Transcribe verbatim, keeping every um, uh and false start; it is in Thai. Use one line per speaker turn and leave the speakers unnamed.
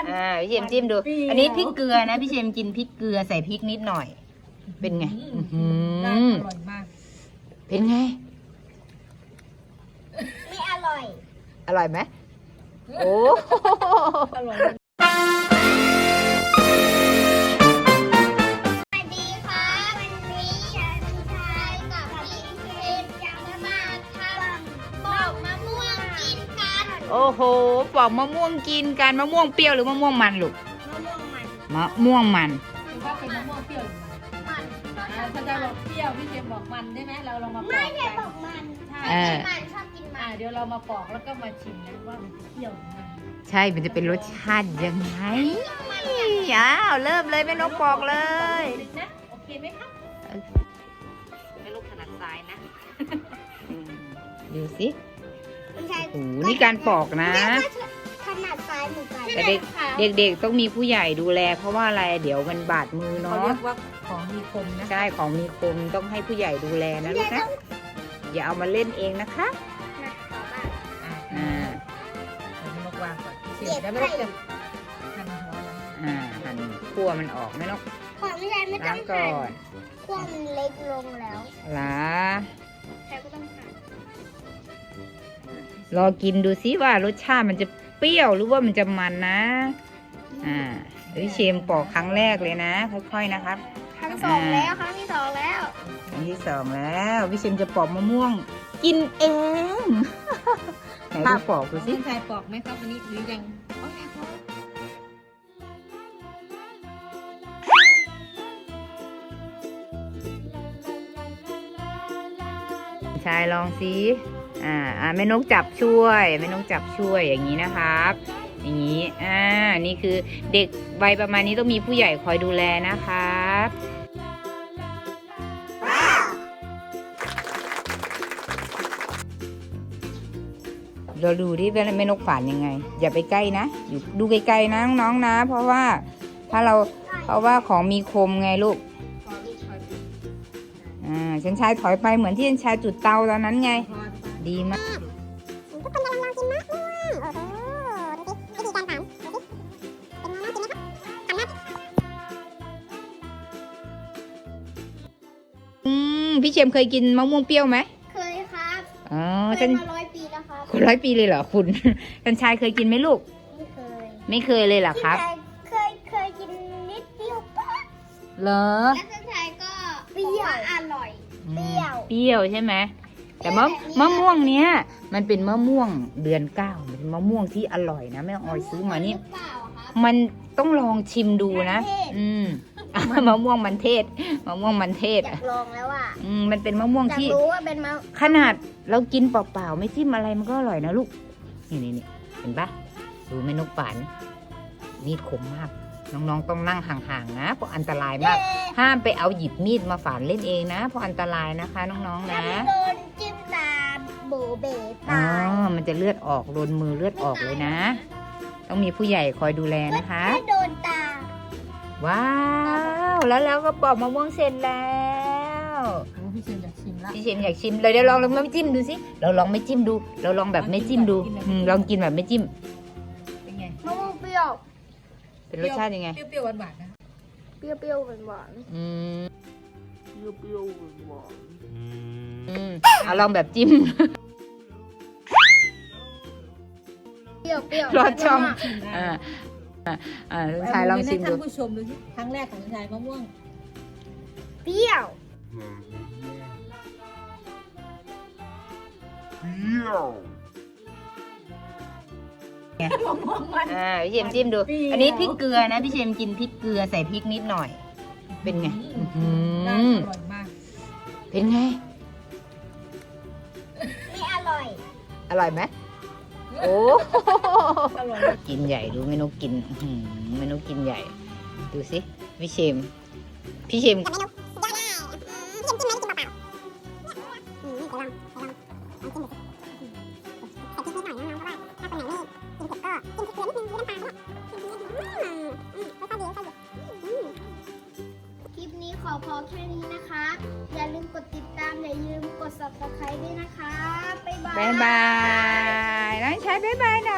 อ่าพี่เชมจิ้มดูอันนี้พริกเกลือนะพี่เชมกินพริกเกลือใส่พริกนิดหน่อยเป็นไงอืม
อร่อยมาก
เป็นไง
ไม่อร่อย
อร่อยไหมโอ้
อร่อย
สวัสดีค่ะวันนี้ฉันชายกับพี่เชฟจะมาทำปอกมะม่วงกินกัน
โอ้โหปอกมะม่วงกินกันมะม่วงเปรี้ยวหรือมะม่วงมันลูก
มะม่วงมัน
มะม่วงมัน
คือว่าเป็นมะม่วงเปรี้ยวหรือมัน
มัน
อ่าถ้าจะบอกเปรี้ยวพี่เจมบอกมันได้ไหมเราลองมาป
ไม่
อก
ใช่
กัน
บอกมัน
ใช่
เออ
มันชอบกินมั
อ่าน เดี๋ยวเรามาปอกแล้วก็มาชิมนะว่ามันเปรี้ยวหรือมัน
ใช่มันจะเป็นรสชาติยังไงอ้าวเริ่มเลยแม่นกปอกเลย
นะโอเคไหมครับ
แม่นกถนัดซ้ายนะดูสิ
ไม่ใช่
โอ้โหนี่การปอกนะ
ขนาดซ้ายเหมือนกัน
แต่เด็กเด็กๆต้องมีผู้ใหญ่ดูแลเพราะว่าอะไรเดี๋ยวมันบาดมือ
เขา
เนาะ
เรียกว่าของมีคมนะ
ใช่ของมีคมต้องให้ผู้ใหญ่ดูแลนะลูกนะอย่าเอามาเล่นเองนะคะ
นะขอบ้าง
อ่า
อ่า
เราจะมาวางก่อนพี่เจมแล้วไม่ต้องจะหั่นหัวมัน
อ่าหั่นคั่วมันออกแม่นก
ขอไม่ใช่ไม่ต้
ล้า
อง ง
ก่
หั่
อน
นขั้วมันเล็กลงแล้ว
ล้า
ใครก็ต้องหั่น
รอกินดูซิว่ารสชาติมันจะเปรี้ยวหรือว่ามันจะมันนะ อ่าพี่เชมปอกครั้งแรกเลยนะ ค่อยๆนะครับ
ครั้งสองแล้วครั้งที่สองแล้ว
ครั้งที่สองแล้วพี่เชมจะปอกมะม่วง กินเอง ไหนดูปอกดูสิ
พี่ชายปอกไหมครับวันนี้หรือยังโอเคครับ
ชายลองสิอ่าอ่าแม่นกจับช่วยแม่นกจับช่วยอย่างนี้นะครับ อย่างนี้ อ่า นี่คือเด็กวัยประมาณนี้ต้องมีผู้ใหญ่คอยดูแลนะครับ เราดูที่แม่นกฝานยังไง อย่าไปใกล้นะ อยู่ดูไกลๆนะน้องๆนะ เพราะว่าถ้าเรา เพราะว่าของมีคมไงลูก
พอลูกพอดี
อ่าฉันชายถอยไปเหมือนที่ฉันชายจุดเตาตอนนั้นไง
พอ
ดีมาก
ทุกคนกำลังลองกินมะม่วงโอ้โหดูสิวิธีการทำดูสิเป็นไงน่ากินไหมครับทำหน้า
อืมพี่เชมเคยกินมะม่วงเปรี้ยวไหม
เคยครับ
อ๋อ
เค
ฉั
ย
น
มาร้อยปีแล้วครับ
คนร้อยปีเลยเหรอคุณ ฉันชายเคยกินไหมลูก
ไม่เคย
ไม่เคยเลยเหรอครับ
พี่ชายเคยเคยกินนิดเดียวปะ
เหรอ
แล้วพี่ชายก็เปรี้ยวอร่อย เปรี้ยว
เปรี้ยวใช่ไหมแต่มะมะม่วงเนี้ยมันเป็นมะม่วงเดือนเก้าเป็นมะม่วงที่อร่อยนะแม่ออยซื้อมานี่
หรือเปล่าครับ
มันต้องลองชิมดูนะ
มันเทศ
อืม มะม่วงมันเทศมะม่วงมันเทศ
อยากลองแล้วอ่ะ
อืมมันเป็นมะม่วง
อยาก
ที่
รู้ว่าเป็นมะ
ขนาดเรากินเปล่าๆไม่จิ้มอะไรมันก็อร่อยนะลูก นี่นี่นี่เห็นปะดูเมนูฝันมีดคมมาก น้องๆต้องนั่งห่างๆนะเพราะอันตรายมาก ห้ามไปเอาหยิบมีดมาฝานเล่นเองนะเพราะอันตรายนะคะน้องๆ
ถ้า
นะ
ไม่โดนจิ้มตาโบเบ
อ๋อ
ตาย
มันจะเลือดออกโดนมือเลือดออกเลยนะ ต้องมีผู้ใหญ่คอยดูแลนะคะ
ถ้าโดนตา
ว้าว แล้วเราก็ปอกมะม่วงเสร็จแล้ว
โอ้พี่เจมอยากชิมละ
พี่เชมอยากชิมเลยเดี๋ยวลองลองไม่จิ้มดูสิเราลองไม่จิ้มดู เราลองแบบไม่จิ้มดูอืมลองกินแบบไม่จิ้ม
เป็นไง
มะม่วงเปรี้ยว
เป็นรสชาติยังไง
เปรี้ยวๆหวานๆนะ
เปรี้ยวเปรี้ยวหวานหวาน
อืม
เปรี้ยวเปรี้ยวหวาน
อืมเอาลองแบบจิ้ม
เปรี้ยวเปรี้ยว
รสช่อง
ชิมได้
อ่าอ่าอ่าชายลองชิมดู
ท่านผู้ชมดูสิครั้งแรกของชายมะม่วง
เปรี้ยว
มะม่วงมัน
อ่าพี่เชมจิ้มดู
เปรี้ยว
อันนี้พริกเกลือนะพี่เชมกินพริกเกลือใส่พริกนิดหน่อย เป็นไงอื้อหื
ได้
อ
อร่อยมาก
เป็นไง
ไม่อร่อย
อร่อยไหมโอ้
อร่อย
กินใหญ่ดูเมนูกินอื้อหือเมนูกินใหญ่ ดูสิพี่เชมพี่เชม
แต่เมนูสุดยอดเลยพี่เชมจิ้มไหมจิ้มเปล่าๆอืมเดี๋ยวลองเดี๋ยวลองลองจิ้มดูสิใส่พริกนิดหน่อยน้องๆเพราะว่าถ้าคนไหนไม่กินเผ็ดก็จิ้มพริกเกลือนิดนึงหรือน้ำตาลก็ได้อืมอืมค่อยๆดีค่อยๆดีอืมคลิปนี้ขอพอแค่นี้นะคะ อย่าลืมกดติดตามอย่าลืมกด ซับสไครบ์ ด้วยนะคะบ๊ายบาย
บายบายน้องชายบายบายนะ